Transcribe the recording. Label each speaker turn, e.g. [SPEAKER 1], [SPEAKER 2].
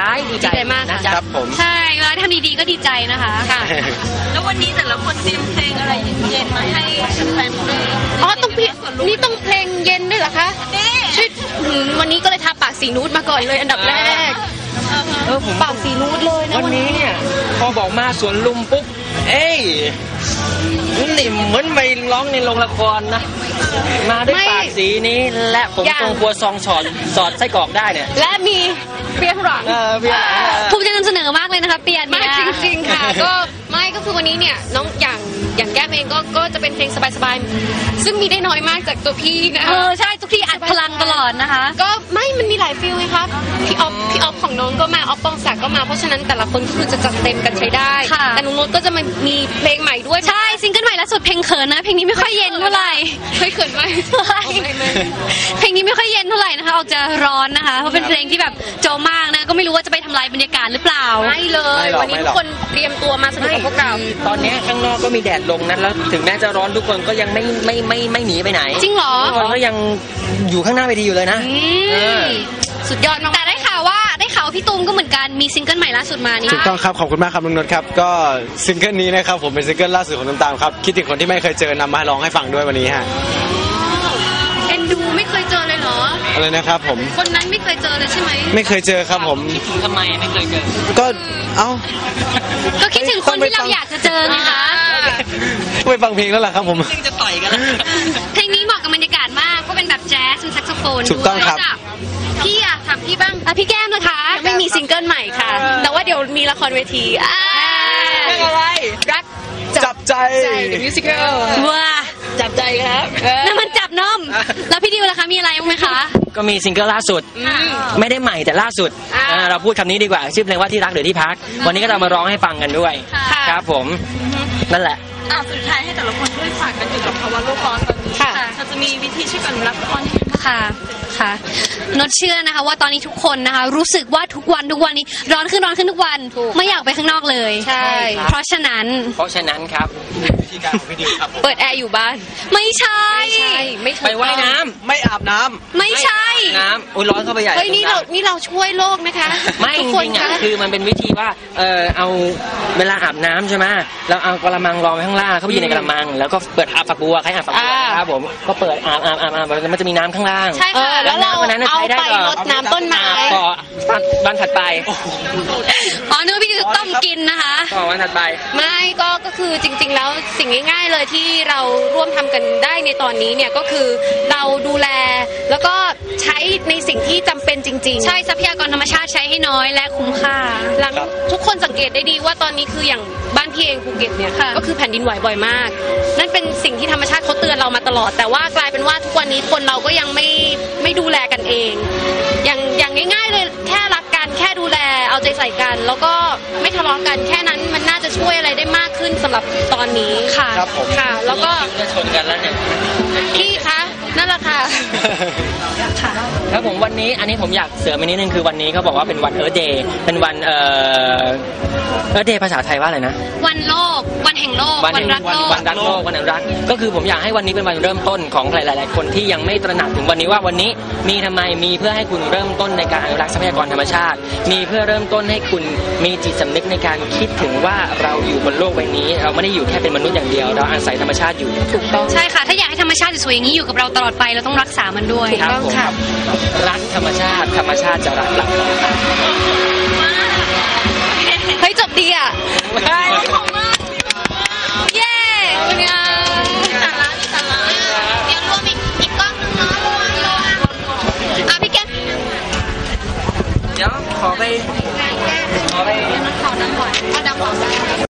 [SPEAKER 1] ดีใจมากนะครับผม
[SPEAKER 2] ใช่แล้วทำดีๆก็ดีใจนะคะค่ะ
[SPEAKER 3] แล้ววันนี้แต่ละคนเตรียมเพลงอะไรเย็นๆมาให้แฟนเพลง
[SPEAKER 2] อ๋อต้องนี่ต้องเพลงเย็นด้วยเหรอคะช่วยวันนี้ก็เลยทาปากสีนูดมาก่อนเลยอันดับแรก
[SPEAKER 1] ผม
[SPEAKER 2] ปากสีนูดเลยนะ
[SPEAKER 1] วันนี้เนี่ยพอบอกมาสวนลุมปุ๊บเอ้ยนี่เหมือนไปร้องในโรงละครนะมาด้วยปากสีนี้และผมตรงครัวซองสอดไส้กรอกได้เนี่ย
[SPEAKER 2] และมีเปียหลังภูมิใจนำเสนอมากเลยนะคะเปียเนี่ยจริงๆค่ะก็ไม่ก็คือวันนี้เนี่ยน้องอย่างแก้มเองก็จะเป็นเพลงสบายๆซึ่งมีได้น้อยมากจากตัวพี่นะ
[SPEAKER 3] ใช่ทุกที่อัดพลังตลอดนะคะ
[SPEAKER 2] ก็ไม่มันมีหลายฟิลเลยครับพี่ออฟของน้องก็มาออฟปองศักดิ์ก็มาเพราะฉะนั้นแต่ละคนก็คือจะจัดเต็มกันใช้ได้แต่นุ้งโน้ตก็จะมีเพลงใหม่ด้วย
[SPEAKER 3] ใช่ซิงเกิลใหม่ล่าสุดเพลงเขินนะเพลงนี้ไม่ค่อยเย็นเท่าไหร่
[SPEAKER 2] เขินไหม
[SPEAKER 3] เพลงนี้ไม่ค่อยเย็นเท่าไหร่นะคะออกจะร้อนนะคะเพราะเป็นเพลงที่แบบโจมากนะก็ไม่รู้ว่าจะไปทำลายบรรยากาศหรือเปล่า
[SPEAKER 2] ไม่เลยวันนี้ทุกคนเตรียมตัวมาสนุกกับพวกเรา
[SPEAKER 1] ตอนนี้ข้างนอกก็มีแดดลงนะแล้วถึงแม้จะร้อนทุกคนก็ยังไม่หนีไปไหน
[SPEAKER 3] จริงเหรอ
[SPEAKER 1] ทุกคนก็ยังอยู่ข้างหน้าเวทีอยู่เลยนะ
[SPEAKER 3] สุดยอดมากแต่ได้ข่าวว่าพี่ตูมก็เหมือนกันมีซิงเกิลใหม่ล่าสุดมานี่
[SPEAKER 4] ถูกต้องครับขอบคุณมากครับน้องนนท์ครับก็ซิงเกิลนี้นะครับผมเป็นซิงเกิลล่าสุดของน้ำตาลครับคิดถึงคนที่ไม่เคยเจอนำมาร้องให้ฟังด้วยวันนี้ฮะ
[SPEAKER 2] เอ็นดูไม่เคยเจอเลยเหรอ
[SPEAKER 4] อะไรนะครับผม
[SPEAKER 2] คนนั้นไม่เคยเจอเลยใช่ไหม
[SPEAKER 4] ไม่เคยเจอครับผม
[SPEAKER 1] คิดถึงทำไมไม่เคยเจอ
[SPEAKER 4] ก็
[SPEAKER 3] ก็คิดถึงคนที่เราอยากจะเจอไงคะ
[SPEAKER 4] ไปฟังเพลงแล้วล่ะครับผม
[SPEAKER 1] จะต่อยกัน
[SPEAKER 3] เพลงนี้เหมาะกับบรรยากาศมากเพราะเป็นแบบแจ๊สเป็นแซกโซโฟน
[SPEAKER 4] ถูกต้องครับ
[SPEAKER 2] พี่อะถามพี่บ้าง
[SPEAKER 3] พี่แก้มนะคะ
[SPEAKER 2] ไม่มีซิงเกิลใหม่ค่ะแต่ว่าเดี๋ยวมีละครเวที
[SPEAKER 1] เรื่องอะไร
[SPEAKER 2] รัก
[SPEAKER 4] จับใจ
[SPEAKER 2] The Musical
[SPEAKER 3] ว้า
[SPEAKER 2] จับใจครับ
[SPEAKER 3] นั่นมันจับนมแล้วพี่ดิวล่ะคะมีอะไรบ้างไหมคะ
[SPEAKER 1] ก็มีซิงเกิลล่าสุดไม่ได้ใหม่แต่ล่าสุดเราพูดคำนี้ดีกว่าชื่อเพลงว่าที่รักหรือที่พักวันนี้ก็จะมาร้องให้ฟังกันด้วยครับผมนั่นแหละ
[SPEAKER 3] สุดท้ายให้แต่ละคนช่วยฝากกันอยู่กับภาวะโลกร้อนตอนนี้เราจะมีวิธีช่วยกันรักร้อนค่ะนดเชื่อนะคะว่าตอนนี้ทุกคนนะคะรู้สึกว่าทุกวันนี้ร้อนขึ้นทุกวันไม่อยากไปข้างนอกเลย
[SPEAKER 2] ใช่
[SPEAKER 3] เพราะฉะนั้น
[SPEAKER 1] ครับ
[SPEAKER 4] วิธีการของพี่ดิวครับ
[SPEAKER 2] เปิดแอร์อยู่บ้าน
[SPEAKER 3] ไม่ใช่
[SPEAKER 1] ไปว่ายน้ำ
[SPEAKER 4] ไม่อาบน้ำ
[SPEAKER 3] ไม่ใช่
[SPEAKER 1] น้ำอุ้ยร้อนเข้าไปใหญ่
[SPEAKER 2] เฮ้ยนี่เราช่วยโลกนะคะ
[SPEAKER 1] ไม่จริงๆคือมันเป็นวิธีว่าเอาเวลาอาบน้ำใช่ไหมเราเอากระมังรองไว้ข้างล่างเข้าไปอยู่ในกระมังแล้วก็เปิดอาบฝักบัวใครอาบฝักบัวครับผมก็เปิดอาบมันจะมีน้ำข้างล่าง
[SPEAKER 2] ใช่ค่ะแล้วเราเอาไปรดน้ำต้นไม้
[SPEAKER 1] ต่อวันถัดไป
[SPEAKER 3] นึกว่าพี่จะต้มกินนะคะ
[SPEAKER 1] ต่อวันถัดไป
[SPEAKER 2] ไม่ก็คือจริงๆแล้วสิ่งง่ายๆเลยที่เราร่วมทำกันได้ในตอนนี้เนี่ยก็คือเราดูแลแล้วก็ใช้ในสิ่งที่จำเป็นจริงๆ
[SPEAKER 3] ใช่ทรัพยากรธรรมชาติใช้ให้น้อยและคุ้มค่า
[SPEAKER 2] หลังทุกคนสังเกตได้ดีว่าตอนนี้คืออย่างบ้านพี่เองภูเก็ตเนี่ยก็คือแผ่นดินไหวบ่อยมากนั่นเป็นสิ่งที่ธรรมชาติเขาเตือนเรามาตลอดแต่ว่ากลายเป็นว่าทุกวันนี้คนเราก็ยังไม่ดูแลกันเองอย่างง่ายๆเลยแค่รักกันแค่ดูแลเอาใจใส่กันแล้วก็ไม่ทะเลาะกันแค่นั้นมันน่าจะช่วยอะไรได้มากขึ้นสำหรับตอนนี้
[SPEAKER 3] ค่ะ
[SPEAKER 2] ค่ะแล้วก็
[SPEAKER 1] จะชนกันแล้วเนี่ย
[SPEAKER 2] พี่คะนั่นแหละค่ะ
[SPEAKER 1] ครับผมวันนี้อันนี้ผมอยากเสริมอีกนิดนึงคือวันนี้เขาบอกว่าเป็นวันEarth Dayเป็นวันEarth Day ภาษาไทยว่าอะไรนะ
[SPEAKER 3] วันโลกวันแห่งโลกวันรักโลก
[SPEAKER 1] วันรักโลกวันอนุรักษ์ก็คือผมอยากให้วันนี้เป็นวันเริ่มต้นของหลายๆคนที่ยังไม่ตระหนักถึงวันนี้ว่าวันนี้มีทำไมมีเพื่อให้คุณเริ่มต้นในการอนุรักษ์ทรัพยากรธรรมชาติมีเพื่อเริ่มต้นให้คุณมีจิตสำนึกในการคิดถึงว่าเราอยู่บนโลกใบนี้เราไม่ได้อยู่แค่เป็นมนุษย์อย่างเดียวเราอาศัยธรรมชาติอยู่
[SPEAKER 2] ถูกต้อง
[SPEAKER 3] ใช่ค่ะถ้าอยากให้ธรรมชาติสวยอย่างนี้อยู่กับเราตลอดไปเราต้องรักษามันด้วย
[SPEAKER 2] ถูกต้องค่ะ
[SPEAKER 1] รักธรรมชาติจะรักเรา
[SPEAKER 2] เฮ้ยจบดีอ่ะ
[SPEAKER 3] เย้เป็นไง
[SPEAKER 2] เดี๋ยวรวมอีกกล้องนึงเนาะพี่แก้ม
[SPEAKER 1] เดี๋ยวขอไป
[SPEAKER 2] ขอดังก่อน